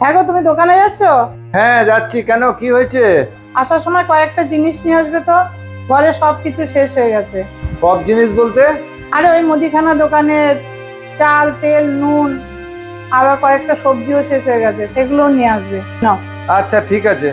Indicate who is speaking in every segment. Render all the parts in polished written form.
Speaker 1: হ্যাঁ গো, তুমি দোকানে যাচ্ছ?
Speaker 2: হ্যাঁ যাচ্ছি। কেন, কি হয়েছে?
Speaker 1: আসার সময় কয়েকটা জিনিস নিয়ে আসবে তো, ঘরে সব কিছু শেষ হয়ে গেছে।
Speaker 2: সব জিনিস বলতে?
Speaker 1: আরে ওই মুদিখানা দোকানের চাল, তেল, নুন, আবার কয়েকটা সবজিও শেষ হয়ে গেছে, সেগুলো নিয়ে আসবে। নাও।
Speaker 2: আচ্ছা ঠিক আছে।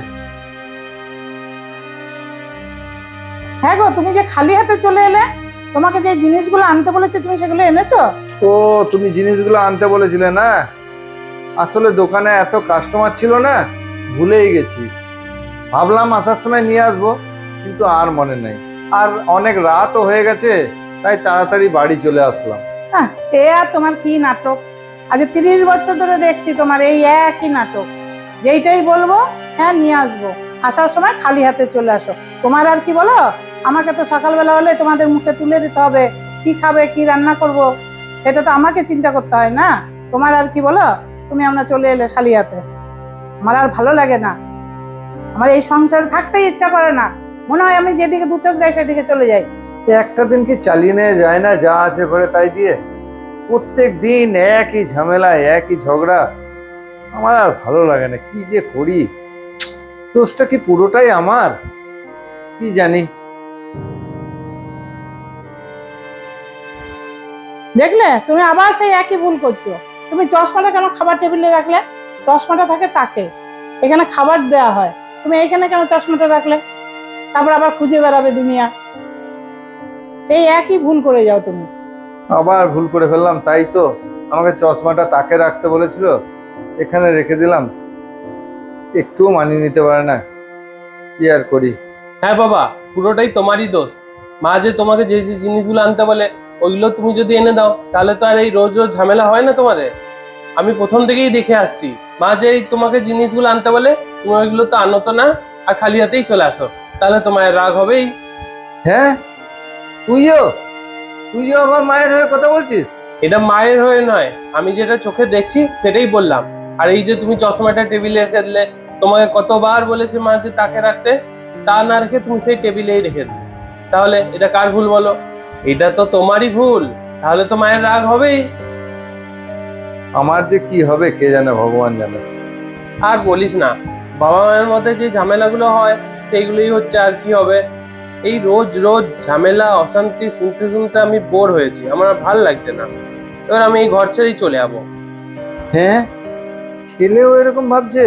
Speaker 1: হ্যাঁ গো, তুমি যে খালি হাতে চলে এলে, তোমাকে যে জিনিসগুলো আনতে বলেছে তুমি সেগুলো এনেছো?
Speaker 2: ও, তুমি জিনিসগুলো আনতে বলেছিলে না? আসলে দোকানে এত কাস্টমার ছিল না, ভুলেই গেছি। ভাবলাম আসার সময় নিয়ে আসবো, কিন্তু আর মনে নেই। আর অনেক রাতও হয়ে গেছে, তাই তাড়াতাড়ি বাড়ি চলে আসলাম।
Speaker 1: এ আর তোমার কি নাটক! আজ 30 বছর ধরে দেখছি তোমার এই একই নাটক। যেইটাই বলবো হ্যাঁ নিয়ে আসবো, আসার সময় খালি হাতে চলে আসো। তোমার আর কি বলো, আমাকে তো সকালবেলা হলে তোমাদের মুখে তুলে দিতে হবে কি খাবে, কি রান্না করব, এটা তো আমাকে চিন্তা করতে হয় না। তোমার আর কি বলো, তুমি আমরা চলে এলে খালি হাতে। আমার আর ভালো লাগে না, আমার এই সংসারে থাকতেই ইচ্ছা করে না। মনে হয় আমি যেদিকে দু চোখ যাই সেদিকে চলে যাই।
Speaker 2: একটা দিন কি চালিয়ে নেওয়া যায় না, যা আছে ঘরে তাই দিয়ে? প্রত্যেক দিন একই ঝামেলা, একই ঝগড়া। আমার আর ভালো লাগে না, কি যে করি। দোষটা কি পুরোটাই আমার, কি জানি।
Speaker 1: দেখলে, তুমি আবার সেই একই ভুল করছো। তুমি চশমাটা কেন খাবার টেবিলে রাখলে? চশমাটা থাকে তাকে, এখানে খাবার দেয়া হয়, তুমি এখানে কেন চশমাটা রাখলে? তারপর আবার খুঁজে বেড়াবে দুনিয়া। সেই একই ভুল করে যাও তুমি।
Speaker 2: আবার ভুল করে ফেললাম, তাই তো। আমাকে চশমাটা তাকে রাখতে বলেছিল, এখানে রেখে দিলাম। একটুও মানিয়ে নিতে পারে না, কি আর করি।
Speaker 3: হ্যাঁ বাবা, পুরোটাই তোমারই দোষ। মা যে তোমাকে যে যে জিনিসগুলো আনতে বলে ওইগুলো তুমি যদি এনে দাও, তাহলে তো আর এই রোজ রোজ ঝামেলা হয় না তোমাদের। আমি প্রথম থেকেই দেখে আসছি, মা যে এই তোমাকে জিনিসগুলো আনতে বলে তুমি ওইগুলো তো আনো তো না, আর খালি হাতেই চলে আসো, তাহলে তোমার রাগ হবেই।
Speaker 2: হ্যাঁ, তুইও তুইও আমার মায়ের হয়ে কথা বলছিস?
Speaker 3: এটা মায়ের হয়ে নয়, আমি যেটা চোখে দেখছি সেটাই বললাম। আর এই যে তুমি চশমাটা টেবিলে রেখে দিলে, তোমাকে কতবার বলেছে মা যে তাকে রাখতে, তা না রেখে তুমি সেই টেবিলেই রেখে দিলে, তাহলে এটা কার ভুল বলো? এটা তো তোমারই ভুল, তাহলে তো মায়ের রাগ হবেই।
Speaker 2: আমার যে কি হবে কে জানে, ভগবান জানে।
Speaker 3: আর বলিস না, বাবা মায়ের মধ্যে যে ঝামেলাগুলো হয় সেইগুলোই হচ্ছে, আর কি হবে। এই রোজ রোজ ঝামেলা অশান্তি শুনতে শুনতে আমি বোর হয়েছি, আমার আর ভাল লাগছে না। এবার আমি এই ঘর ছেড়েই চলে যাবো।
Speaker 2: হ্যাঁ, ছেলেও এরকম ভাবছে?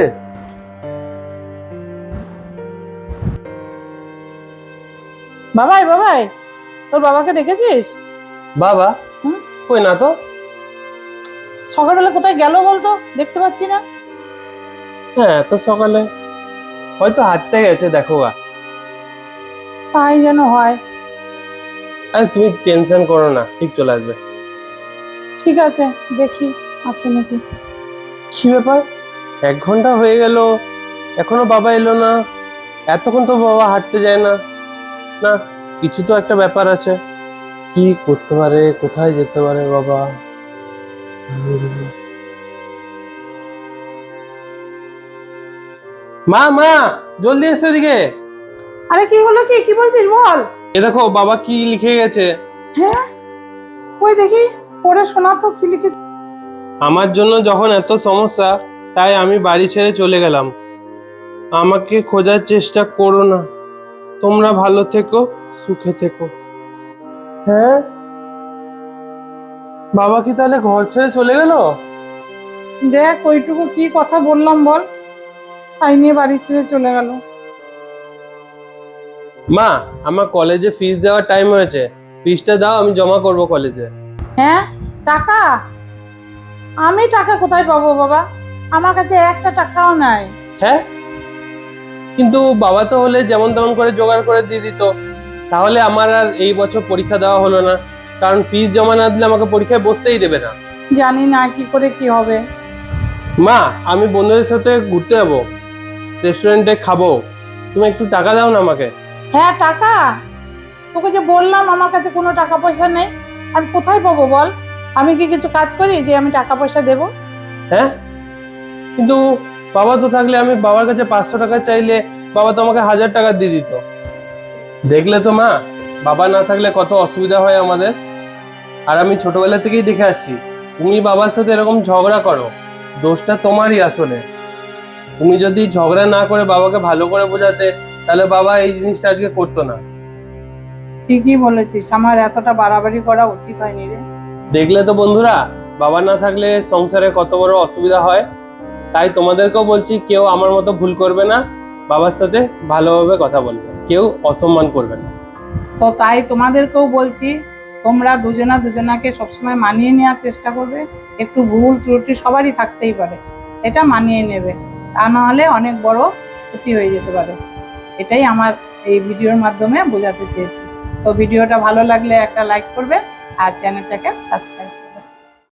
Speaker 1: বাবাই বাবাই, তোর বাবাকে দেখেছিস?
Speaker 3: বাবা?
Speaker 1: হুম?
Speaker 3: কই না তো।
Speaker 1: সকালবেলা কোথায় গেল বলতো, দেখতে পাচ্ছি না।
Speaker 3: হ্যাঁ, এত সকালে হয়তো হাঁটতে গেছে, দেখো গা।
Speaker 1: তাই যেন হয়।
Speaker 3: আরে তুমি টেনশন করো না, ঠিক চলে আসবে।
Speaker 1: ঠিক আছে, দেখি আসে নাকি।
Speaker 3: কি ব্যাপার, 1 ঘন্টা হয়ে গেল, এখনো বাবা এলো না। এতক্ষণ তো বাবা হাঁটতে যায় না। না, কিছু তো একটা ব্যাপার আছে। কি করতে পারে, কোথায় যেতে পারে বাবা? মা মা, জলদি এসো এদিকে।
Speaker 1: আরে কি হলো, কি কি বলছিস বল।
Speaker 3: এ দেখো বাবা কি লিখে গেছে।
Speaker 1: হ্যাঁ, ওই দেখি, পড়ে শোনা তো কি লিখে।
Speaker 3: আমার জন্য যখন এত সমস্যা, তাই আমি বাড়ি ছেড়ে চলে গেলাম। আমাকে খোঁজার চেষ্টা করো না। তোমরা ভালো থেকো, সুখে থেকো। হ্যাঁ, বাবা কি তাহলে ঘর ছেড়ে চলে গেল?
Speaker 1: দেখ ওইটুকু কি কথা বললাম বল, তাই নিয়ে বাড়ি ছেড়ে চলে গেল।
Speaker 3: মা, আমার কলেজে ফিস দেওয়ার টাইম হয়েছে, ফিসটা দাও, আমি জমা করব কলেজে।
Speaker 1: হ্যাঁ, টাকা? আমি টাকা কোথায় পাবো বাবা, আমার কাছে একটা টাকাও নাই।
Speaker 3: হ্যাঁ, কিন্তু বাবা তো হলে যেমন তেমন করে জোগাড় করে দিয়ে দিত, তাহলে আমার আর এই বছর পরীক্ষা দেওয়া হলো না, কারণ ফিস জমা না দিলে আমাকে পরীক্ষায় বসতেই দেবে না।
Speaker 1: জানি না কি করে কি হবে।
Speaker 3: মা, আমি বন্ধুদের সাথে ঘুরতে যাবো, রেস্টুরেন্টে খাবো, তুমি একটু টাকা দাও না আমাকে।
Speaker 1: হ্যাঁ টাকা, তোকে যে বললাম আমার কাছে কোনো টাকা পয়সা নেই, আমি কোথায় পাবো বল? আমি কি কিছু কাজ করি যে আমি টাকা পয়সা দেব?
Speaker 3: হ্যাঁ, কিন্তু বাবা তো থাকলে আমি বাবার কাছে 500 টাকা চাইলে বাবা তো আমাকে 1000 টাকা দিয়ে দিত। দেখলে তো মা, বাবা না থাকলে কত অসুবিধা হয় আমাদের। আর আমি ছোটবেলা থেকেই দেখে আসছি, তুমি বাবার সাথে এরকম ঝগড়া করো, দোষটা তোমারই আসলে। তুমি যদি ঝগড়া না করে বাবাকে ভালো করে বোঝাতে, তাহলে বাবা এই জিনিসটা আজকে করতো না।
Speaker 1: ঠিকই বলেছিস, আমার এতটা বাড়াবাড়ি করা উচিত হয়নি রে।
Speaker 3: দেখলে তো বন্ধুরা, বাবা না থাকলে সংসারে কত বড় অসুবিধা হয়। তাই তোমাদেরকেও বলছি, কেউ আমার মতো ভুল করবে না, বাবার সাথে ভালোভাবে কথা বলবে, কেউ অসম্মান করবে না।
Speaker 1: তো তাই তোমাদেরকেও বলছি, তোমরা দুজনাকে সবসময় মানিয়ে নেওয়ার চেষ্টা করবে। একটু ভুল ত্রুটি সবারই থাকতেই পারে, এটা মানিয়ে নেবে, তা নাহলে অনেক বড় ক্ষতি হয়ে যেতে পারে। এটাই আমার এই ভিডিওর মাধ্যমে বোঝাতে চেয়েছি। তো ভিডিওটা ভালো লাগলে একটা লাইক করবে আর চ্যানেলটাকে সাবস্ক্রাইব